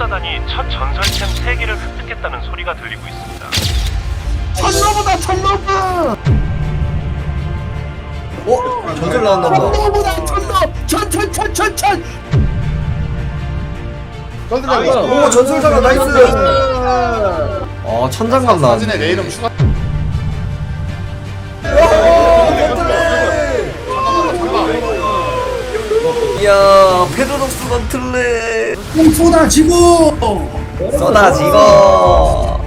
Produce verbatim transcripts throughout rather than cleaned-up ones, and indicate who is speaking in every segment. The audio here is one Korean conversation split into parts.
Speaker 1: 천사단이 첫 전설템 세 개를 획득했다는 소리가 들리고 있습니다.
Speaker 2: 천러브다 천러브!
Speaker 3: 어? 전설 나왔나보다.
Speaker 2: 천러브다 천러! 천천천천천!
Speaker 3: 오 전설사가 나이스. 어 천장감 나왔네.
Speaker 4: 사진에 내 이름 추가.
Speaker 3: 이야 페도독스 건틀레
Speaker 2: 쏟아지고!
Speaker 3: 쏟아지고.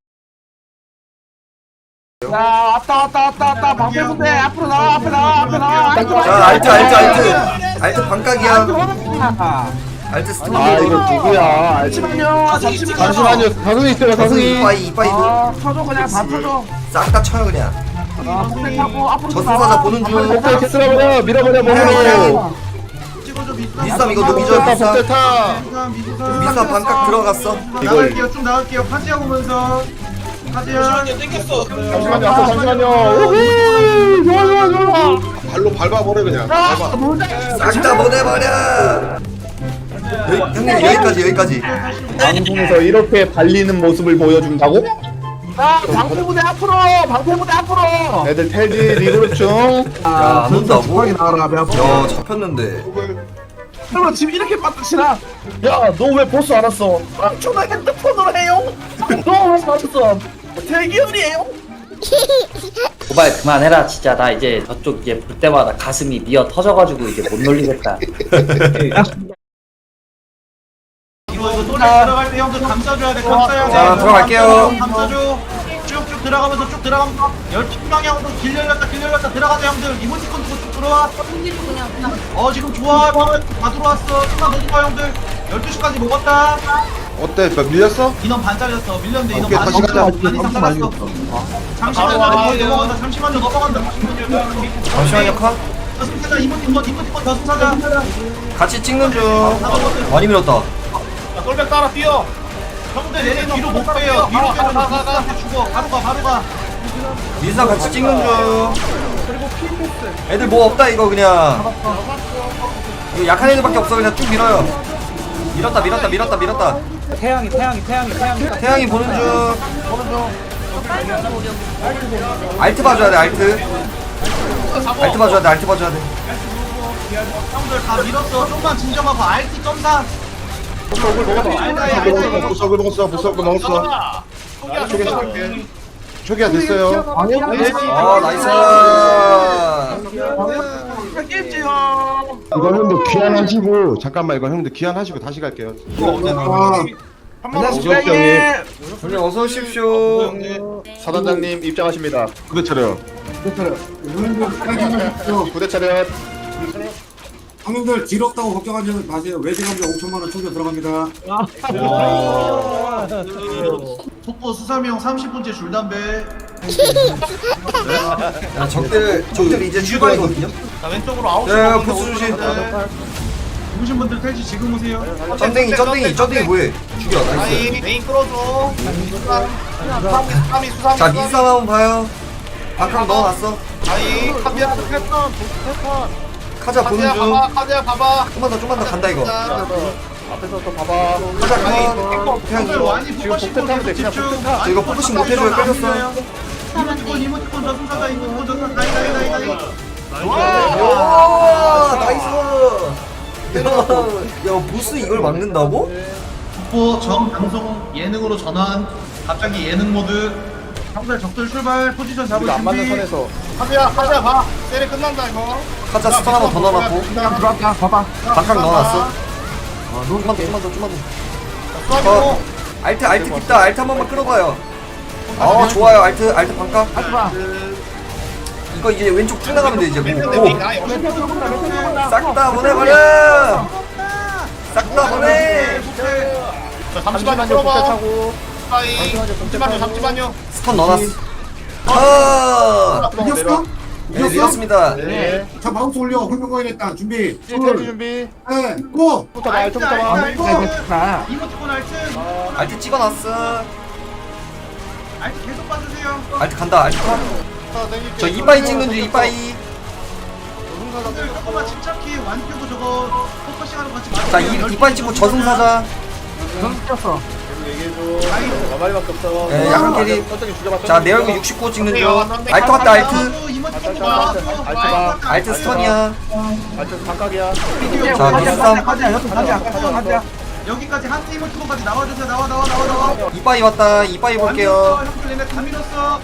Speaker 2: 자 왔다 왔다 왔다 왔다 방패부대 앞으로 나와 앞에 나와 앞에 나와
Speaker 3: 자 알트 알트 알트 알트 반각이야. 알트 스톱.
Speaker 4: 아 이거 누구야?
Speaker 2: 잠시만요 잠시만요
Speaker 4: 잠시만요. 다승이 있어요. 다승이.
Speaker 3: 이빠이 이빠이도
Speaker 2: 아 터져 그냥 다 터져
Speaker 3: 싹 다 쳐요 그냥.
Speaker 2: 아 선택 타고 앞으로
Speaker 3: 저승사자 보는 중.
Speaker 4: 복대 캐스라버려 밀어버려
Speaker 3: 태양이
Speaker 4: 먹어.
Speaker 3: 미쌈 이거 녹이죠
Speaker 4: 복대
Speaker 3: 미쌈.
Speaker 4: 타.
Speaker 3: 미쌈 반각 들어갔어.
Speaker 5: 나갈게요. 좀 나갈게요. 파지야 보면서. 파지야.
Speaker 4: 잠시만요. 앞에 잠시만요. 우후. 좋아 좋아 좋아. 발로 밟아버려 그냥. 밟아.
Speaker 3: 싹 다 보내버려. 여기, 형님 여기까지 여기까지.
Speaker 4: 방송에서 이렇게 발리는 모습을 보여준다고?
Speaker 2: 자 방패부대 앞으로 방패부대 앞으로
Speaker 4: 애들 텔지 리그룹중.
Speaker 3: 야안 온다고?
Speaker 2: 나와라 배 아파
Speaker 3: 야 잡혔는데.
Speaker 2: 그럼 지금 이렇게 빠뜨시나 야너 왜 보스 안 왔어 아 전화 핸드폰으로 해요 너왜 왔어 대기열이에요
Speaker 6: 도발 그만해라 진짜. 나 이제 저쪽 이제 볼 때마다 가슴이 미어 터져가지고 이제 못 놀리겠다.
Speaker 5: 이거 이거 노래 들어갈 때 형들 감싸줘야 돼. 감싸야 돼.
Speaker 3: 자, 들어갈게요.
Speaker 5: 감싸줘. 쭉쭉 들어가면서 쭉 들어가면서 열두 방향으로 길 열렸다 길 열렸다 들어가자 형들. 이모티콘 쭉 들어와. 어 지금 좋아. 다 들어왔어. 좀만 더 들어와 형들. 열두 시까지 먹었다.
Speaker 4: 어때? 밀렸어?
Speaker 5: 인원 반 잘렸어. 밀렸는데 인원
Speaker 4: 오케이,
Speaker 5: 반
Speaker 4: 다시 가자.
Speaker 5: 반 이상 잘랐어. 잠시만요. 넘어간다. 잠시만요. 넘어간다.
Speaker 3: 잠시만요 컷.
Speaker 5: 저승사자 이모티콘 이모티콘 저승사자.
Speaker 3: 같이 찍는 중. 많이 밀었다.
Speaker 5: 똘백 따라 뛰어. 형들 얘네 뒤로 못 빼요. 뒤로 빼면 가가가 죽어. 바로 가 바로 가.
Speaker 3: 민상 같이 찍는 중. 애들 뭐 없다 이거 그냥. 이거 약한 애들밖에 없어 그냥 쭉 밀어요. 밀었다 밀었다 밀었다 밀었다.
Speaker 6: 태양이 태양이 태양이 태양이.
Speaker 3: 태양이 보는 중. 알트 봐줘야 돼 알트. 알트 봐줘야 돼 알트 봐줘야 돼.
Speaker 5: 형들 다 밀었어. 좀만 진정하고 알티 점사.
Speaker 4: 보석을 먹었어. 보석을 먹었어. 보석을 먹었어. 초기 시작할게. 초기화 됐어요.
Speaker 3: 아 나이스.
Speaker 4: 이거 형들 귀환하시고 잠깐만 이거 형들 귀환하시고 다시 갈게요. 안녕하십니까 형님.
Speaker 3: 형님 어서 오십시오.
Speaker 4: 사단장님 입장하십니다. 부대 차려. 부대 차려.
Speaker 7: 형님들 길 없다고 걱정하지 마세요. 외지감자 오천만 원 충전 들어갑니다.
Speaker 5: 속보 수삼형 삼십 분째 줄담배.
Speaker 3: 야 적들 적들 이제 출발이거든요.
Speaker 5: 자 왼쪽으로 아홉 시.
Speaker 3: 야 보스 조심.
Speaker 5: 누구신 분들 탈지 지금 오세요.
Speaker 3: 점댕이 점댕이 점댕이 뭐해? 죽여 나이스.
Speaker 5: 메인 끌어줘. 수삼이 수삼.
Speaker 3: 자 민싸움 한번 봐요. 박항 넣어놨어.
Speaker 5: 아이 카비아 패턴 패턴.
Speaker 3: 카자 보는 중.
Speaker 5: 카비아 봐봐.
Speaker 3: 좀만 더 좀만 더 간다 이거.
Speaker 4: 앞에서 또 봐봐.
Speaker 3: 카자 컷. 태양이.
Speaker 5: 지금
Speaker 4: 복대 타면 돼. 그냥 복대 타.
Speaker 3: 저 이거 포커싱 못해줘요 끌렸어.
Speaker 5: 이모티콘 이모티콘 저승사자 이모티콘 저승 나이 나이 나이 나이.
Speaker 3: 와 나이스. 야 보스 이걸 막는다고?
Speaker 5: 속보 정 방송 예능으로 전환. 갑자기 예능 모드. 형들 적들 출발 포지션 잡을
Speaker 4: 우리가 안 맞는
Speaker 5: 준비.
Speaker 4: 선에서. 카비야 카비야 봐. 세례 끝난다 이거.
Speaker 3: 카자 스턴 한번 더 넣어놨고.
Speaker 2: 들어왔다 봐봐
Speaker 3: 박항 넣어놨어. 아 좀만 더 좀만 더 좀만 더.
Speaker 5: 수학이고.
Speaker 3: 어, 알트 알트 깊다 알트 한 번만 끌어봐요. 아 좋아요 알트 알트 반각.
Speaker 2: 하지마
Speaker 3: 이거 이제 왼쪽 쭉 나가면 돼 이제 뭐. 싹 다 보내버려. 싹 다 보내.
Speaker 4: 잠시만요. 복대 차고. 잠시만요. 잠시만요.
Speaker 3: 스턴 넣어놨어. 아,
Speaker 7: 이겼어?
Speaker 3: 네, 밀었습니다.
Speaker 4: 네.
Speaker 7: 자 마우스 올려. 홀명거인 했다. 준비.
Speaker 4: 텔지 준비.
Speaker 7: 네. 고.
Speaker 4: 부터 봐. 알부터 봐.
Speaker 5: 알트
Speaker 2: 아,
Speaker 5: 이모티콘 알트.
Speaker 3: 알트 찍어놨어.
Speaker 5: 알트 계속 봐주세요.
Speaker 3: 알트 간다. 알트 가. 저 이빠이 찍는 중 이빠이.
Speaker 5: 형들 조금만 침착히 완표고 저거 포커싱하는 거 같이
Speaker 3: 자 이, 이빠이 찍고 저승사자. 예, 약한 캐리. 자, 내 얼굴 육십구 찍는 중. 알트 왔다, 알트.
Speaker 5: 이모티콘 나왔어.
Speaker 3: 알트 스턴이야.
Speaker 5: 비디오
Speaker 3: 자,
Speaker 5: 가자,
Speaker 3: 미스삼.
Speaker 5: 가자, 여기 가자, 가자, 가자. 여기까지 한 이모티콘까지 나와주세요. 나와, 나와, 나와, 나와.
Speaker 3: 이빠이 왔다, 이빠이 볼게요.
Speaker 5: 형들 얘네 다 밀었어.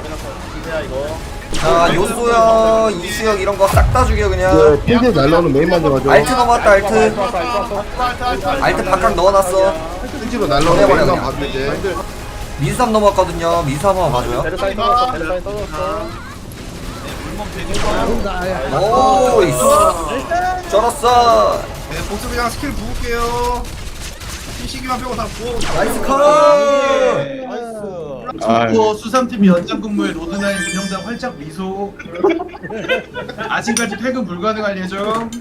Speaker 3: 자, 요소야, 이수혁 이런 거 싹 다 죽여, 그냥.
Speaker 4: 필드 날라오는 메인만 잡아줘.
Speaker 3: 알트 넘어왔다, 알트. 알트 바깥 넣어놨어.
Speaker 4: 필드로 날라오는
Speaker 3: 보내버려,
Speaker 4: 메인만
Speaker 3: 그냥.
Speaker 4: 봐도 이제.
Speaker 3: 민삼 넘어왔거든요. 민삼 한번 봐줘요. 오, 이씨. 쩔었어.
Speaker 4: 네, 보스 그냥 스킬 부을게요. 피시기만 빼고 다 부어.
Speaker 3: 나이스 컷.
Speaker 5: 또 수삼팀 연장 근무에 로드나인 운영장 활짝 미소. 아직까지 퇴근 불가능할 예정.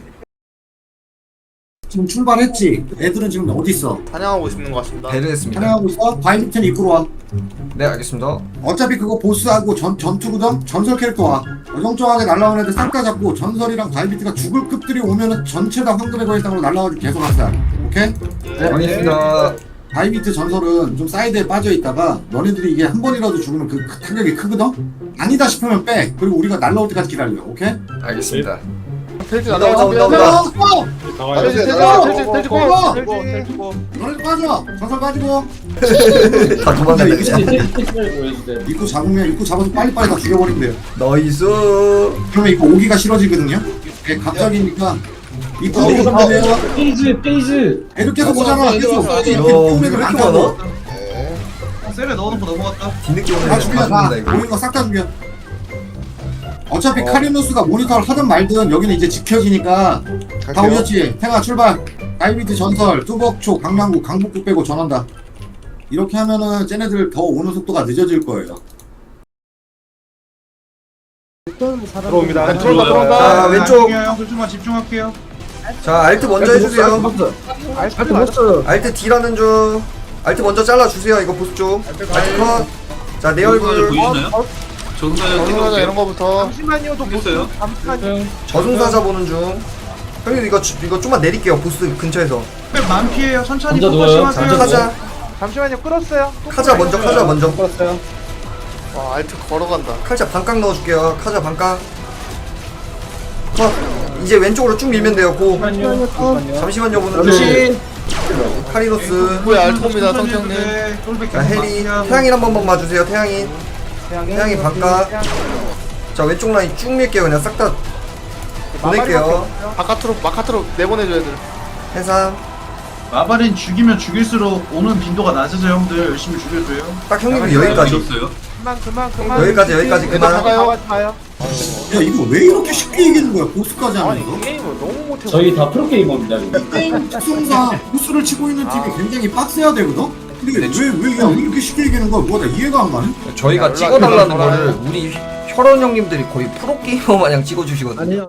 Speaker 7: 지금 출발했지? 애들은 지금 어디 있어?
Speaker 4: 사냥하고 있는 것 같습니다.
Speaker 3: 배려했습니다.
Speaker 7: 촬영하고 있어? 바이브텐 입구로 와.
Speaker 3: 네, 알겠습니다.
Speaker 7: 어차피 그거 보스하고 전, 전투거든? 전설 캐릭터 와. 어정쩡하게 날라오는 애들 싹 다 잡고 전설이랑 바이비트가 죽을 급들이 오면은 전체 다 황금의 거인상으로 날라가지고 계속 왔어요. 오케이?
Speaker 3: 알겠습니다.
Speaker 7: 바이비트 전설은 좀 사이드에 빠져 있다가 너네들이 이게 한 번이라도 죽으면 그 타격이 크거든? 아니다 싶으면 빼. 그리고 우리가 날라올 때까지 기다려. 오케이?
Speaker 3: 알겠습니다.
Speaker 4: 필드
Speaker 3: 온다, 온다, 온다, 온다.
Speaker 4: 필드
Speaker 7: 필드,
Speaker 4: 필드
Speaker 7: 필드, 너네들 빠져. 전설 빠지고.
Speaker 3: 다 도망간다, 그냥.
Speaker 7: 입구 잡으면 입구 잡아서 빨리빨리 다 죽여버리면 돼요.
Speaker 3: 나이스.
Speaker 7: 그러면 이거 오기가 싫어지거든요? 예, 갑자기니까 입구 오기 잡으세요.
Speaker 6: 페이즈 페이즈
Speaker 7: 애들 계속 오잖아. 계속.
Speaker 3: 야, 우리 왜 이렇게 많아?
Speaker 5: 셀에 넣어놓고 넘어갔다.
Speaker 3: 뒤늦게 오는
Speaker 7: 다
Speaker 3: 애다
Speaker 7: 죽여, 다.
Speaker 3: 죽는다, 이거.
Speaker 7: 보이는 거 싹 다 죽여. 어차피 카리누스가 모니터를 하든 말든 여기는 이제 지켜지니까 다 오셨지? 탱아 출발. 다이비트 전설, 뚜벅초, 강남구, 강북구 빼고 전원다. 이렇게 하면은 쟤네들 더 오는 속도가 늦어질 거예요.
Speaker 4: 들어옵니다. 들어온다
Speaker 3: 자,
Speaker 4: 들어온다.
Speaker 3: 왼쪽.
Speaker 5: 형들 좀만 집중할게요.
Speaker 3: 자, 알트 먼저 해주세요.
Speaker 2: 알트 보스.
Speaker 3: 알트 D라는 중. 알트 먼저 잘라주세요. 이거 보스 쪽. 알트 컷. 자, 내 얼굴.
Speaker 4: 정상자 이런 거부터.
Speaker 3: 저승사자 보는 중. 형님 이거 주- 이거 좀만 내릴게요. 보스 근처에서.
Speaker 5: 만 피해요. 천천히
Speaker 6: 먼저 누워요.
Speaker 5: 포커싱
Speaker 3: 먼저
Speaker 5: 하세요.
Speaker 3: 카자.
Speaker 8: 잠시만요, 끌었어요.
Speaker 3: 카자 먼저. 카자 먼저.
Speaker 4: 와 알트 걸어간다.
Speaker 3: 카자 반각 넣어줄게요. 카자 반각. 컷. 이제 왼쪽으로 쭉 밀면 돼요. 고. 잠시만요 보는 중. 카리노스.
Speaker 4: 뭐야 알트입니다 성형님.
Speaker 3: 자, 해리. 태양인 한 번만 봐주세요. 태양인. 태양인 반각. 자, 왼쪽 라인 쭉 밀게요. 그냥 싹 다 보낼게요.
Speaker 4: 바깥으로 바깥으로 내보내줘야 돼.
Speaker 3: 해상.
Speaker 5: 마바린 죽이면 죽일수록 오는 빈도가 낮아져요. 형들 열심히 죽여줘요.
Speaker 3: 딱 형님이 여기까지.
Speaker 8: 그만, 그만, 그만.
Speaker 3: 여기까지 여기까지
Speaker 4: 애들
Speaker 3: 그만.
Speaker 4: 나가요.
Speaker 8: 나가지 마요.
Speaker 7: 야 이거 왜 이렇게 쉽게 이기는 거야? 보스까지 하면서?
Speaker 8: 게임을 너무 못해.
Speaker 6: 저희 다 프로게이머입니다 지금.
Speaker 7: 게임 특성상 보스를 치고 있는 팀이 굉장히 빡세야 되거든? 근데 왜왜 그냥 이렇게 쉽게 이기는 거야? 뭐야 나 이해가 안 가네?
Speaker 3: 저희가 찍어달라는 거를 우리 혈원 형님들이 거의 프로게이머 마냥 찍어주시거든요.